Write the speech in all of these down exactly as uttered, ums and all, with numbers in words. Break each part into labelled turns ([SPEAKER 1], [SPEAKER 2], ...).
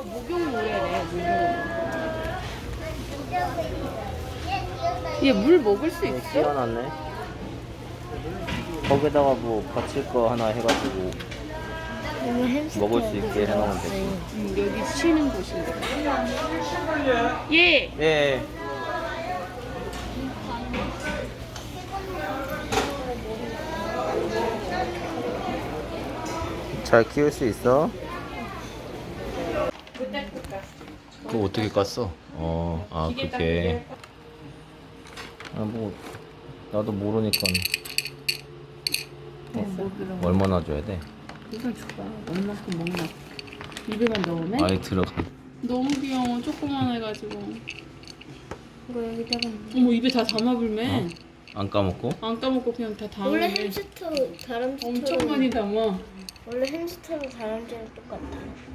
[SPEAKER 1] 목욕물이래, 목욕물. 얘 물 먹을 수 있어?
[SPEAKER 2] 씌워놨네. 거기다가 뭐 받칠 거 하나 해가지고 먹을 수 있게 해놓으면 되지.
[SPEAKER 1] 응, 여기 쉬는 곳인데. 예.
[SPEAKER 2] 예. 잘 키울 수 있어? 그거 어떻게 깠어? 어, 아 그게. 아 뭐 나도 모르니까.
[SPEAKER 1] 뭐
[SPEAKER 2] 얼마나 줘야 돼?
[SPEAKER 1] 이걸 줄까? 얼마큼 먹나? 입에만 넣으면?
[SPEAKER 2] 아예 들어가.
[SPEAKER 1] 너무 귀여워. 조그만 해가지고.
[SPEAKER 3] 이거 여기다가
[SPEAKER 1] 어머 입에 다 담아불매.
[SPEAKER 2] 어? 안 까먹고?
[SPEAKER 1] 안 까먹고 그냥 다 담아.
[SPEAKER 3] 원래 햄스터 다람쥐
[SPEAKER 1] 엄청 많이 담아.
[SPEAKER 3] 원래 햄스터랑 다람쥐랑 똑같아.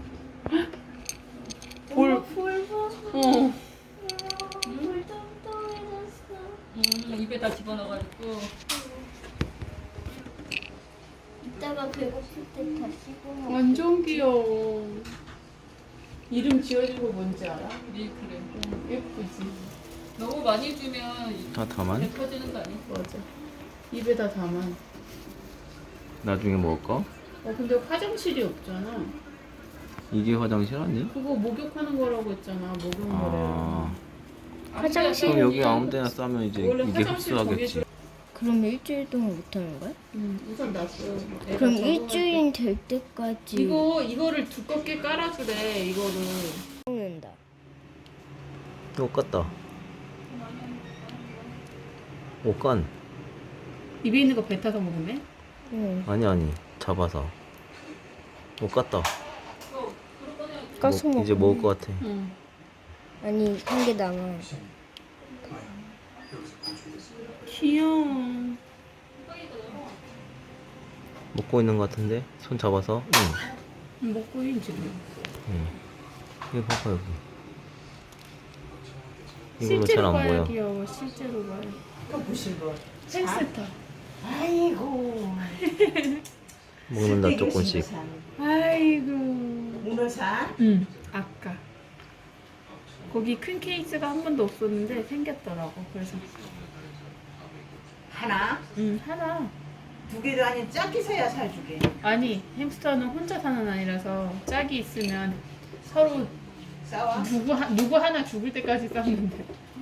[SPEAKER 1] 볼.
[SPEAKER 3] 볼 봐.
[SPEAKER 1] 어.
[SPEAKER 3] 물 똥똥해졌어.
[SPEAKER 1] 음, 입에 다 집어넣어가지고.
[SPEAKER 3] 이따가 배고플 때 다 씹어 먹어.
[SPEAKER 1] 완전 귀여워. 이름 지어준 거 뭔지 알아? 밀크래. 응, 예쁘지. 너무 많이 주면
[SPEAKER 2] 다 담아?
[SPEAKER 1] 터지는 거 아니야? 맞아. 입에 다 담아.
[SPEAKER 2] 나중에 먹을 거?
[SPEAKER 1] 어 근데 화장실이 없잖아.
[SPEAKER 2] 이게 화장실 아니?
[SPEAKER 1] 그거 목욕하는 거라고 했잖아. 목욕물에.
[SPEAKER 2] 아.
[SPEAKER 3] 화장실.
[SPEAKER 2] 그럼 여기 아무 데나 싸면 이제
[SPEAKER 1] 원래
[SPEAKER 2] 이게
[SPEAKER 1] 화장실
[SPEAKER 2] 흡수하겠지.
[SPEAKER 3] 그럼 일주일 동안 못 하는 거야?
[SPEAKER 1] 응, 우선 놨어.
[SPEAKER 3] 그럼 일주일 될 때까지
[SPEAKER 1] 이거 이거를 두껍게 깔아주래. 이거를.
[SPEAKER 3] 먹는다.
[SPEAKER 2] 못 갔다. 못 간.
[SPEAKER 1] 입에 있는 거 뱉어서 먹으면?
[SPEAKER 3] 응.
[SPEAKER 2] 아니 아니 잡아서. 못 갔다.
[SPEAKER 3] 까서
[SPEAKER 2] 먹-
[SPEAKER 3] 먹어.
[SPEAKER 2] 이제 먹을 것 같아.
[SPEAKER 1] 응.
[SPEAKER 3] 아니 한 개 남아.
[SPEAKER 1] 귀여워.
[SPEAKER 2] 먹고 있는 것 같은데 손 잡아서. 응.
[SPEAKER 1] 먹고 있는 지금.
[SPEAKER 2] 응. 이거 봐봐 여기. 이걸로 잘
[SPEAKER 1] 실제로
[SPEAKER 2] 안
[SPEAKER 1] 봐야
[SPEAKER 2] 보여.
[SPEAKER 1] 귀여워. 실제로 봐야.
[SPEAKER 4] 또 무슨 거?
[SPEAKER 1] 햄스터.
[SPEAKER 4] 아이고.
[SPEAKER 2] 먹는다 조금씩.
[SPEAKER 1] 아이고.
[SPEAKER 4] 문어산?
[SPEAKER 1] 응. 아까. 거기 큰 케이스가 한 번도 없었는데 생겼더라고. 그래서.
[SPEAKER 4] 하나?
[SPEAKER 1] 응, 하나.
[SPEAKER 4] 두 개도 아닌 짝이 서야 살주게.
[SPEAKER 1] 아니, 햄스터는 혼자 사는 아니라서 짝이 있으면 서로
[SPEAKER 4] 싸워?
[SPEAKER 1] 누구, 하, 누구 하나 죽을 때까지 싸우는데.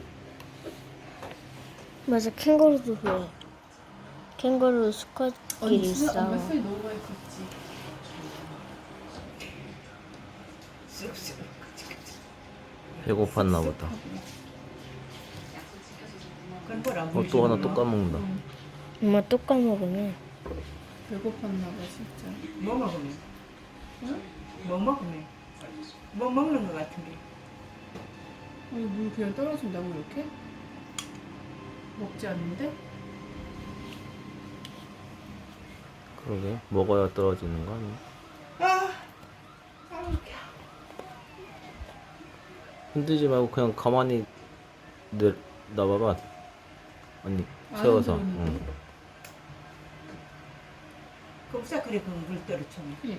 [SPEAKER 3] 맞아 캥거루도 그래. 캥거루 수컷끼리 싸워.
[SPEAKER 1] 술이 너무 많이 컸지.
[SPEAKER 4] 쓱쓱.
[SPEAKER 2] 배고팠나 보다.
[SPEAKER 4] 그건 뭐라
[SPEAKER 2] 어 또 하나 또 까먹는다.
[SPEAKER 3] 엄마 또 까먹으면
[SPEAKER 1] 배고팠나 봐, 진짜.
[SPEAKER 4] 뭐 먹으면?
[SPEAKER 1] 응?
[SPEAKER 4] 뭐 먹으면? 뭐 먹는 거 같은데.
[SPEAKER 1] 아니, 물 그냥 떨어진다고 이렇게? 먹지 않는데?
[SPEAKER 2] 그러게 먹어야 떨어지는 거 아니야?
[SPEAKER 4] 아, 아,
[SPEAKER 2] 흔들지 말고 그냥 가만히 내 놔봐봐. 아니 세워서.
[SPEAKER 1] 안 흔들리는데?
[SPEAKER 2] 응.
[SPEAKER 4] 겁사 그래 그물 떨어치면.
[SPEAKER 1] 그니까.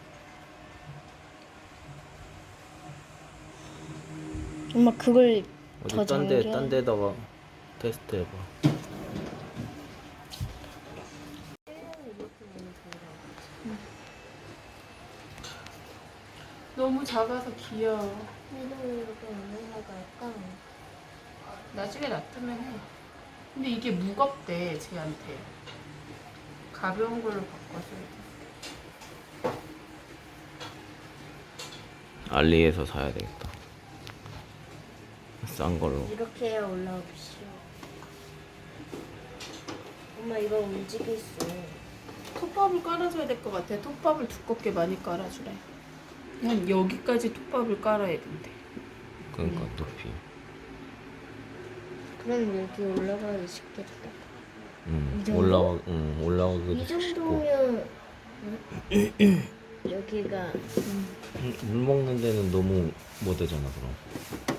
[SPEAKER 3] 엄마 그걸 더
[SPEAKER 2] 어디 딴데
[SPEAKER 3] 잠겨.
[SPEAKER 2] 딴 데다가 테스트 해봐.
[SPEAKER 1] 너무 작아서 귀여워.
[SPEAKER 3] 이거 이렇게 올라갈까?
[SPEAKER 1] 나중에 놔두면 해. 근데 이게 무겁대, 쟤한테. 가벼운 걸로 바꿔줘야 돼.
[SPEAKER 2] 알리에서 사야 되겠다. 싼 걸로.
[SPEAKER 3] 이렇게 해야 올라오시오. 엄마 이거 움직였어.
[SPEAKER 1] 톱밥을 깔아줘야 될 것 같아. 톱밥을 두껍게 많이 깔아주래. 한 여기까지 톱밥을 깔아야 된대.
[SPEAKER 2] 그러니까 높이.
[SPEAKER 3] 그럼 여기 올라가기 쉽겠다.
[SPEAKER 2] 응.
[SPEAKER 3] 이 정도?
[SPEAKER 2] 올라가. 응. 올라가기도
[SPEAKER 3] 이
[SPEAKER 2] 쉽고.
[SPEAKER 3] 정도면 여기가
[SPEAKER 1] 음.
[SPEAKER 2] 물 먹는 데는 너무 못 되잖아 그럼.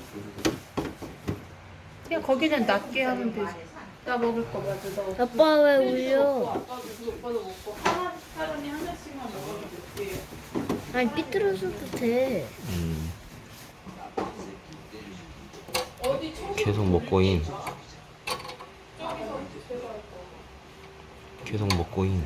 [SPEAKER 1] 그냥 거기는 낮게 하면 되지. 나 먹을 거 맞아. 나 없어.
[SPEAKER 3] 아빠 왜
[SPEAKER 1] 혜진이도 먹고
[SPEAKER 3] 울려?
[SPEAKER 1] 아빠도 그 오빠도 먹고 하나 사람이 하나씩만 먹어도 될게요.
[SPEAKER 3] 아니 삐뚤어져도 돼.
[SPEAKER 2] 음,
[SPEAKER 1] 어디 청
[SPEAKER 2] 계속 먹고인. 계속 먹고인.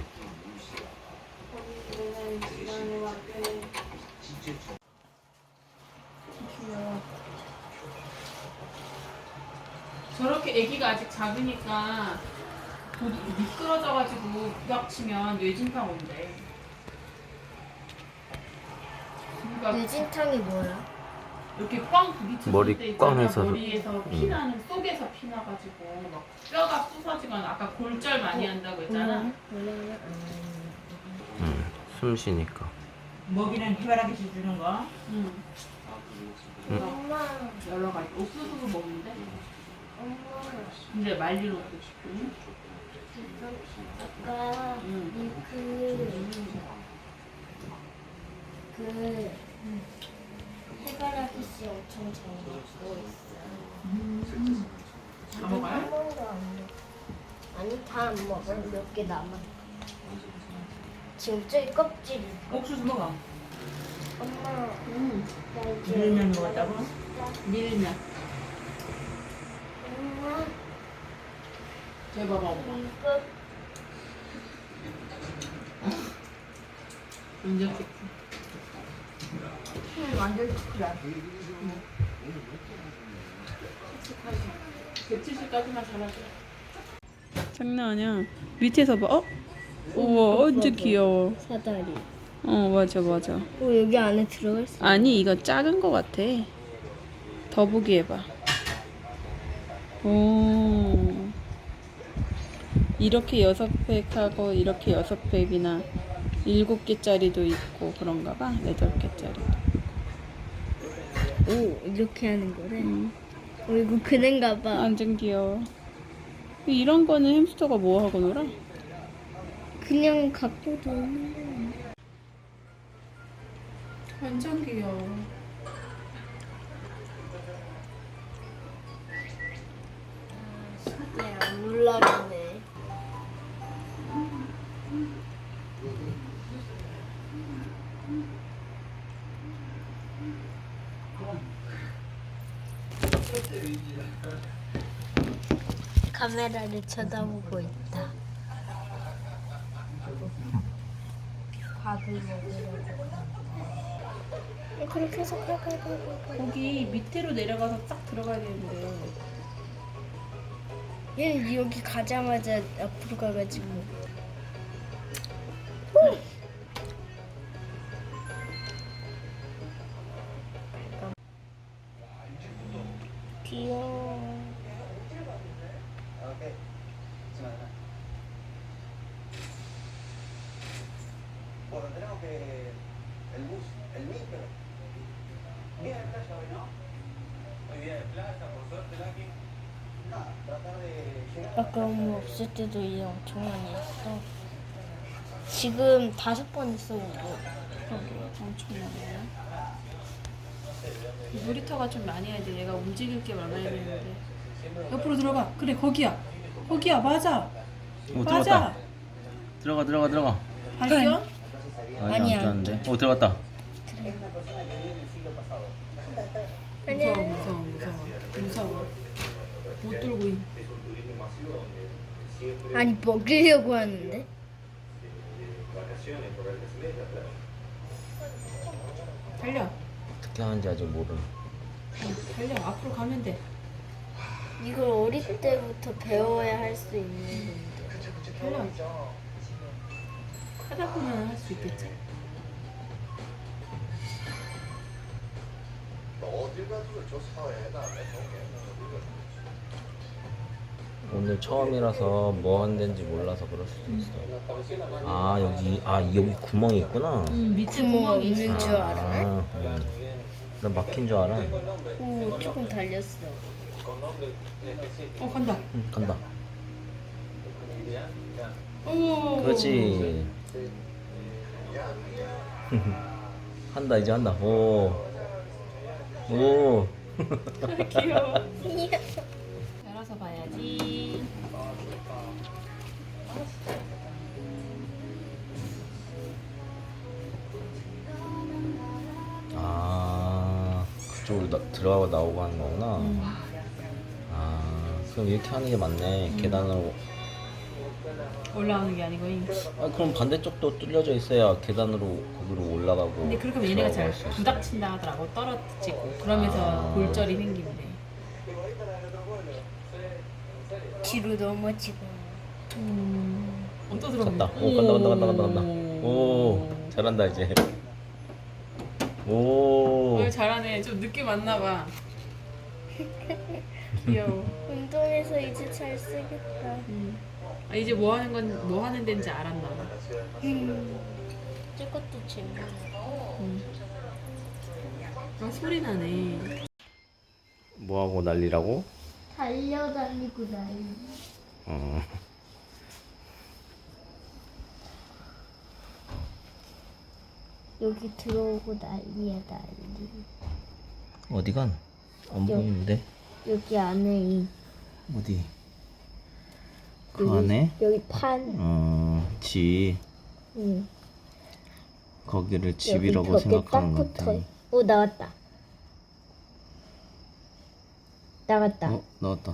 [SPEAKER 1] 저렇게 아기가 아직 작으니까 도- 미끄러져가지고 부닥치면 뇌진탕 온대. 그러니까
[SPEAKER 3] 유진탕이 뭐야?
[SPEAKER 1] 이렇게 꽝 부딪혔을
[SPEAKER 2] 머리
[SPEAKER 1] 때
[SPEAKER 2] 꽝
[SPEAKER 1] 있잖아.
[SPEAKER 2] 해서.
[SPEAKER 1] 머리에서 피나는 속에서 피나가지고 막 뼈가 부서지거나 아까 골절 많이 한다고 했잖아.
[SPEAKER 2] 음, 숨 쉬니까.
[SPEAKER 4] 먹이는 해바라기 씨 주는 거.
[SPEAKER 1] 응.
[SPEAKER 3] 엄마,
[SPEAKER 1] 여러 가지 옥수수도 먹는데.
[SPEAKER 3] 엄마.
[SPEAKER 1] 근데 말린 옥수수.
[SPEAKER 3] 아까
[SPEAKER 1] 응.
[SPEAKER 3] 그, 그 해바라기 씨 엄청 잘 먹고 있어.
[SPEAKER 1] 다 먹어요?
[SPEAKER 3] 한 번도 안 먹어. 아니 다 안 먹어. 몇 개 남아. 지금 저기 껍질이.
[SPEAKER 4] 옥수수 먹어.
[SPEAKER 3] 엄마,
[SPEAKER 1] 응.
[SPEAKER 3] 나 이제
[SPEAKER 4] 밀면 먹었다고?
[SPEAKER 1] 밀면.
[SPEAKER 3] 엄마,
[SPEAKER 1] 제 봐봐.
[SPEAKER 3] 이거
[SPEAKER 1] 완전 좋지.
[SPEAKER 4] 완전 크다.
[SPEAKER 1] 백칠십까지만 잘하죠. 장난 아니야. 밑에서 봐. 어? 우와, 완전 귀여워.
[SPEAKER 3] 사다리.
[SPEAKER 1] 어, 맞아, 맞아.
[SPEAKER 3] 어 여기 안에 들어갈 수.
[SPEAKER 1] 아니, 이거 작은 거 같아. 더 보기 해봐. 오. 이렇게 여섯 팩하고 이렇게 여섯 팩이나 일곱 개짜리도 있고 그런가 봐. 여덟 개짜리도.
[SPEAKER 3] 오 이렇게 하는 거래.
[SPEAKER 1] 음.
[SPEAKER 3] 어 이거 그는가 봐.
[SPEAKER 1] 완전 귀여워. 이런 거는 햄스터가 뭐 하고 놀아?
[SPEAKER 3] 그냥 갖고 노는 거야.
[SPEAKER 1] 완전 귀여워.
[SPEAKER 3] 네, 안 올라가네. 카메라를 쳐다보고 있다. 밥을 먹으려고. 그렇게 해서 가가가가.
[SPEAKER 1] 거기 밑으로 내려가서 딱 들어가야 되는데.
[SPEAKER 3] 얘 여기 가자마자 앞으로 가가지고. 귀여워.
[SPEAKER 5] Bueno, tenemos que el bus, el micro. Bien de playa hoy, ¿no? Muy bien de playa, por suerte, Lucky. Nada, tratar de llegar.
[SPEAKER 3] 아까 엄마 없을 때도 일 엄청 많이 했어. 지금 다섯 번 했어 이거.
[SPEAKER 1] 엄청 많아요. 놀이터가 좀 많이 해야 돼. 얘가 움직일 게 많아야 되는데. 옆으로 들어가. 그래, 거기야. 거기야, 맞아.
[SPEAKER 2] 오,
[SPEAKER 1] 맞아.
[SPEAKER 2] 들어갔다. 들어가, 들어가, 들어가.
[SPEAKER 1] 발견?
[SPEAKER 2] 아니,
[SPEAKER 3] 아니야.
[SPEAKER 2] 안 되는데. 오, 들어갔다.
[SPEAKER 1] 무서워, 무서워, 무서워. 무서워. 못 들고 있.
[SPEAKER 3] 아니 먹으려고 하는데.
[SPEAKER 1] 달려.
[SPEAKER 2] 어떻게 하는지 아직 모름.
[SPEAKER 1] 달려. 앞으로 가면 돼.
[SPEAKER 3] 이걸 어릴 때부터 배워야 할 수 있는 건데.
[SPEAKER 1] 달려. 하다 보면 할 수 있겠지.
[SPEAKER 2] 오늘 처음이라서 뭐 한다는지 몰라서 그럴 수도 있어. 아, 여기, 아, 여기 구멍이 있구나.
[SPEAKER 1] 응, 밑에
[SPEAKER 3] 구멍
[SPEAKER 1] 구멍이 있어.
[SPEAKER 3] 있는 줄 알아?
[SPEAKER 2] 아, 응. 난 막힌 줄 알아.
[SPEAKER 3] 오 조금 달렸어.
[SPEAKER 1] 어, 간다.
[SPEAKER 2] 응, 간다.
[SPEAKER 1] 오.
[SPEAKER 2] 그렇지. 한다, 이제 한다. 오. 오.
[SPEAKER 1] 귀여워. 열어서 봐야지.
[SPEAKER 2] 그쪽으로 나, 들어가고 나오고 하는 거구나.
[SPEAKER 3] 음.
[SPEAKER 2] 아, 그럼 이렇게 하는 게 맞네. 계단으로.
[SPEAKER 1] 올라오는 게 아니고. 잉.
[SPEAKER 2] 아, 그럼 반대쪽도 뚫려져 있어야 계단으로 거기로 올라가고.
[SPEAKER 1] 근데 그렇게 하면 얘네가 잘
[SPEAKER 2] 들어갈 수 있어.
[SPEAKER 1] 부닥친다 하더라고. 떨어지고. 그러면서
[SPEAKER 2] 아.
[SPEAKER 1] 골절이 생긴대.
[SPEAKER 3] 뒤로 넘어지고.
[SPEAKER 1] 음. 어, 또 들어오네.
[SPEAKER 2] 갔다. 오, 간다, 간다, 간다, 간다, 간다. 오, 잘한다, 이제. 오.
[SPEAKER 1] 어, 잘하네. 좀 느낌 왔나 봐. 귀여워.
[SPEAKER 3] 운동해서 이제 잘 쓰겠다.
[SPEAKER 1] 음. 아, 이제 뭐 하는 건 뭐 하는 데인지 알았나 봐.
[SPEAKER 3] 음. 저것도 재밌어.
[SPEAKER 1] 음. 아, 소리 나네.
[SPEAKER 2] 뭐하고 난리라고?
[SPEAKER 3] 달려다니고 난리.
[SPEAKER 2] 어.
[SPEAKER 3] 여기 들어오고 난리야 난리.
[SPEAKER 2] 어디간? 안 보이는데?
[SPEAKER 3] 여기 안에 이
[SPEAKER 2] 어디? 그
[SPEAKER 3] 여기,
[SPEAKER 2] 안에?
[SPEAKER 3] 여기 판.
[SPEAKER 2] 어, 집.
[SPEAKER 3] 응.
[SPEAKER 2] 거기를
[SPEAKER 3] 여기
[SPEAKER 2] 집이라고
[SPEAKER 3] 벽에
[SPEAKER 2] 생각하는
[SPEAKER 3] 딱
[SPEAKER 2] 것
[SPEAKER 3] 붙어.
[SPEAKER 2] 같아.
[SPEAKER 3] 오 나왔다. 나갔다.
[SPEAKER 2] 어, 나왔다.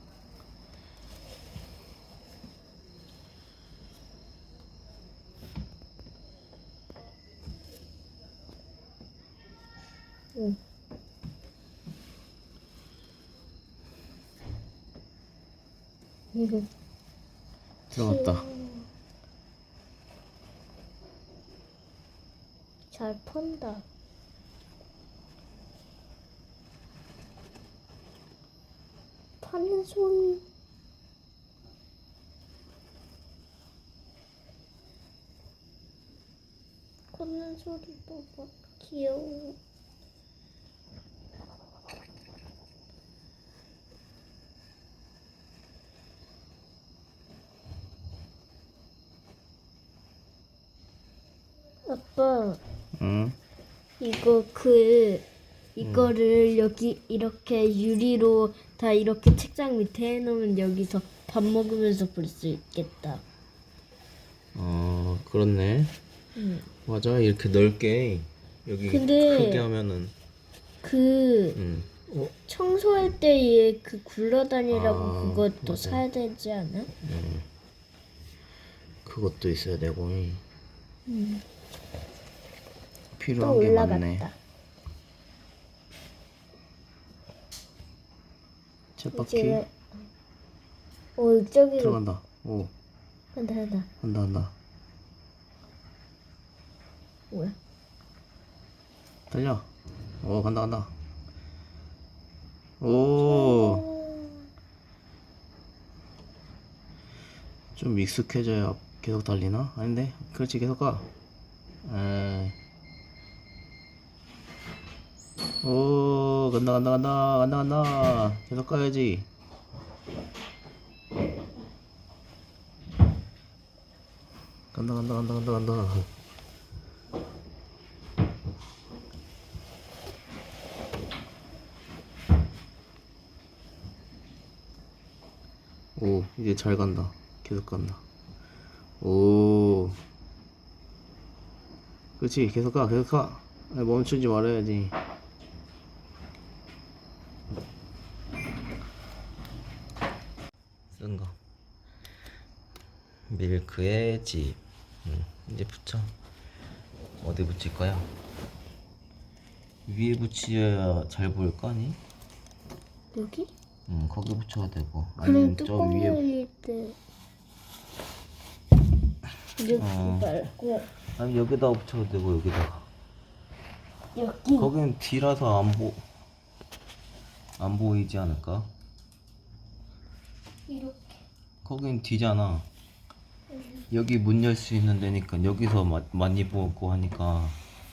[SPEAKER 3] 응. 이거
[SPEAKER 2] 들어갔다.
[SPEAKER 3] 잘 펀다. 파는 소리. 걷는 소리도 막 귀여워. 아빠,
[SPEAKER 2] 응?
[SPEAKER 3] 이거 그 이거를 여기 이렇게 유리로 다 이렇게 책장 밑에 해놓으면 여기서 밥 먹으면서 볼 수 있겠다.
[SPEAKER 2] 어, 그렇네.
[SPEAKER 3] 응.
[SPEAKER 2] 맞아, 이렇게 넓게 여기
[SPEAKER 3] 근데-
[SPEAKER 2] 크게 하면은.
[SPEAKER 3] 그
[SPEAKER 2] 응. 어,
[SPEAKER 3] 청소할 때에 그 굴러다니라고
[SPEAKER 2] 아,
[SPEAKER 3] 그것도
[SPEAKER 2] 맞아.
[SPEAKER 3] 사야 되지 않아?
[SPEAKER 2] 응. 그것도 있어야 되고.
[SPEAKER 3] 응. 또
[SPEAKER 2] 필요한 게 많네.
[SPEAKER 3] 올라갔다.
[SPEAKER 2] 쳇바퀴
[SPEAKER 3] 이제 어 저기로
[SPEAKER 2] 들어간다. 오,
[SPEAKER 3] 간다 간다.
[SPEAKER 2] 간다, 간다.
[SPEAKER 3] 뭐야?
[SPEAKER 2] 달려. 오, 간다, 간다. 오, 좀 익숙해져야 계속 달리나? 아닌데? 그렇지, 계속 가. 에이. 오, 간다, 간다, 간다, 간다, 간다. 계속 가야지. 간다, 간다, 간다, 간다, 간다. 오, 이제 잘 간다. 계속 간다. 오. 그렇지, 계속 가, 계속 가. 아니, 멈추지 말아야지. 쓴 거. 밀크의 집. 응, 이제 붙여. 어디 붙일 거야? 위에 붙여야 잘 보일 거 아니?
[SPEAKER 3] 여기?
[SPEAKER 2] 응, 거기 붙여야 되고.
[SPEAKER 3] 그럼
[SPEAKER 2] 아니면 저
[SPEAKER 3] 뚜껑
[SPEAKER 2] 위에.
[SPEAKER 3] 열릴 때 이렇게
[SPEAKER 2] 어.
[SPEAKER 3] 말고
[SPEAKER 2] 아니, 여기다가 붙여도 되고, 여기다가.
[SPEAKER 3] 여기
[SPEAKER 2] 거긴 뒤라서 안 보, 안 보이지 않을까?
[SPEAKER 3] 이렇게.
[SPEAKER 2] 거긴 뒤잖아. 여기 문 열 수 있는 데니까 여기서 마, 많이 보고 하니까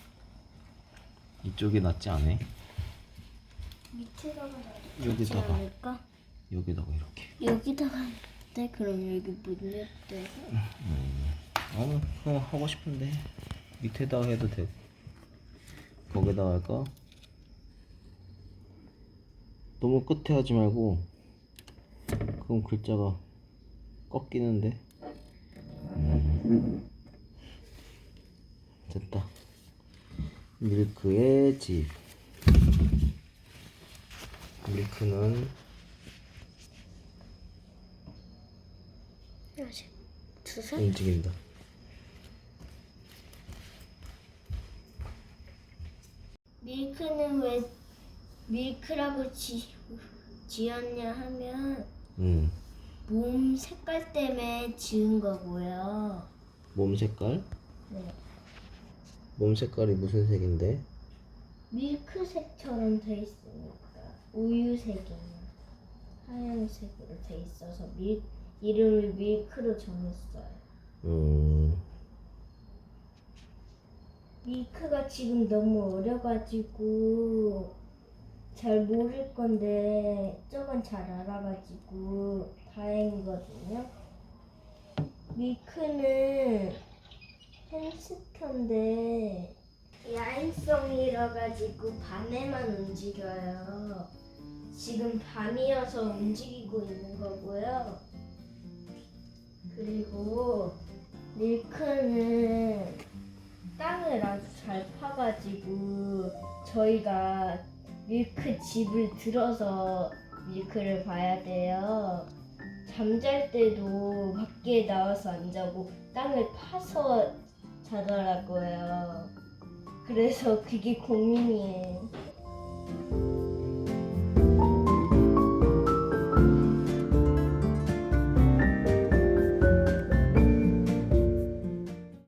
[SPEAKER 2] 이쪽이 낫지 않아?
[SPEAKER 3] 밑에다가 놔두지
[SPEAKER 2] 여기다가.
[SPEAKER 3] 않을까?
[SPEAKER 2] 여기다가 이렇게.
[SPEAKER 3] 여기다가 네 그럼 여기 문열 때
[SPEAKER 2] 어, 그거 하고 싶은데 밑에다가 해도 되고 거기다가 할까? 너무 끝에 하지 말고 그럼 글자가 꺾이는데. 음. 됐다. 밀크의 집. 밀크는
[SPEAKER 3] 아직 두 살?
[SPEAKER 2] 움직인다.
[SPEAKER 3] 밀크는 왜 밀크라고 지, 지었냐 하면
[SPEAKER 2] 음.
[SPEAKER 3] 몸 색깔 때문에 지은 거고요.
[SPEAKER 2] 몸 색깔?
[SPEAKER 3] 네.
[SPEAKER 2] 몸 색깔이 무슨 색인데?
[SPEAKER 3] 밀크색처럼 돼 있으니까 우유색이나 하얀색으로 돼 있어서 밀, 이름을 밀크로 정했어요.
[SPEAKER 2] 음.
[SPEAKER 3] 밀크가 지금 너무 어려가지고 잘 모를 건데 저건 잘 알아가지고 다행이거든요. 밀크는 햄스터인데 야행성이라 가지고 밤에만 움직여요. 지금 밤이어서 움직이고 있는 거고요. 그리고 밀크는 땅을 아주 잘 파가지고 저희가 밀크 집을 들어서 밀크를 봐야 돼요. 잠잘 때도 밖에 나와서 안 자고 땅을 파서 자더라고요. 그래서 그게 고민이에요.